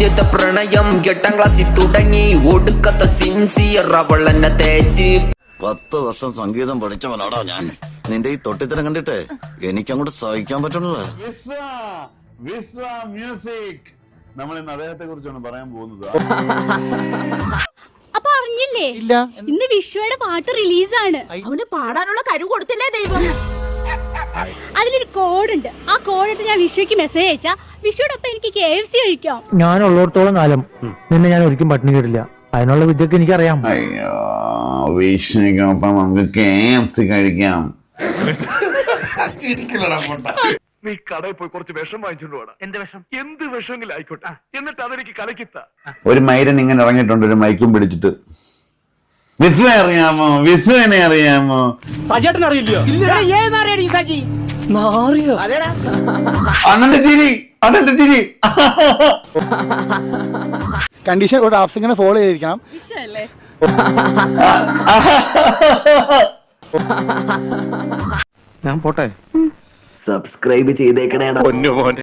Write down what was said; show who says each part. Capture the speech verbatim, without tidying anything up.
Speaker 1: ആദ്യത്തെ പ്രണയം എട്ടാം ക്ലാസ്സിൽ തുടങ്ങി ഒടുക്കത്തെ സിൻസിയർ അവൾ എന്നെ തേച്ച്.
Speaker 2: പത്ത് വർഷം സംഗീതം പഠിച്ചവനാടാ ഞാൻ. നിന്റെ ഈ തൊട്ടിത്തരം കണ്ടിട്ട് എനിക്കങ്ങോട്ട് സഹിക്കാൻ പറ്റണില്ല.
Speaker 3: മ്യൂസിക് നമ്മൾ ഇന്ന് അദ്ദേഹത്തെ കുറിച്ചാണ് പറയാൻ പോകുന്നത്.
Speaker 4: അപ്പൊ അറിഞ്ഞില്ലേ, ഇന്ന് വിശ്വയുടെ പാട്ട് റിലീസാണ്.
Speaker 5: അവന് പാടാനുള്ള കഴിവ് കൊടുത്തില്ലേ ദൈവം.
Speaker 4: അതിലൊരു കോഡുണ്ട്. ആ കോഡിട്ട് ഞാൻ വിശ്വയ്ക്ക് മെസ്സേജ് അയച്ചാ വിശ്വയോടൊപ്പം എനിക്ക് കെ എഫ് സി കഴിക്കാം.
Speaker 6: ഞാൻ ഉള്ളിടത്തോളം കാലം നിന്നെ ഞാൻ ഒരിക്കലും പട്ടിണി കേട്ടില്ല. അതിനുള്ള വിദ്യക്ക് എനിക്കറിയാം.
Speaker 3: അയ്യോ, വിഷ്ണുക്കൊപ്പം നമുക്ക് കെ എഫ് സി കഴിക്കാം.
Speaker 7: നീ കടയിൽ പോയി കുറച്ച് വിഷം വാങ്ങിച്ചോണ്ട് പോടാ. എന്റെ വിഷം എന്ത് വിഷമെങ്കിലും ആയിക്കോട്ടെ, എന്നിട്ട് അതെനിക്ക് കലക്കിത്ത.
Speaker 3: ഒരു മൈരൻ ഇങ്ങനെ ഇറങ്ങിയിട്ടുണ്ട്, ഒരു മൈക്കും പിടിച്ചിട്ട്. വിസ്വ അറിയാമോ? വിസ്വനെ അറിയാമോ?
Speaker 8: സജേട്ടൻ അറിയില്ലയോ?
Speaker 3: അണ്ണന്റെ ചിരി, അണ്ണന്റെ ചിരി.
Speaker 9: കണ്ടീഷൻ ഒരു ആപ്സ് ഇങ്ങനെ ഫോളോ ചെയ്തിരിക്കണം.
Speaker 2: ഞാൻ പോട്ടെ.
Speaker 1: സബ്സ്ക്രൈബ് ചെയ്തേക്കണേടാ.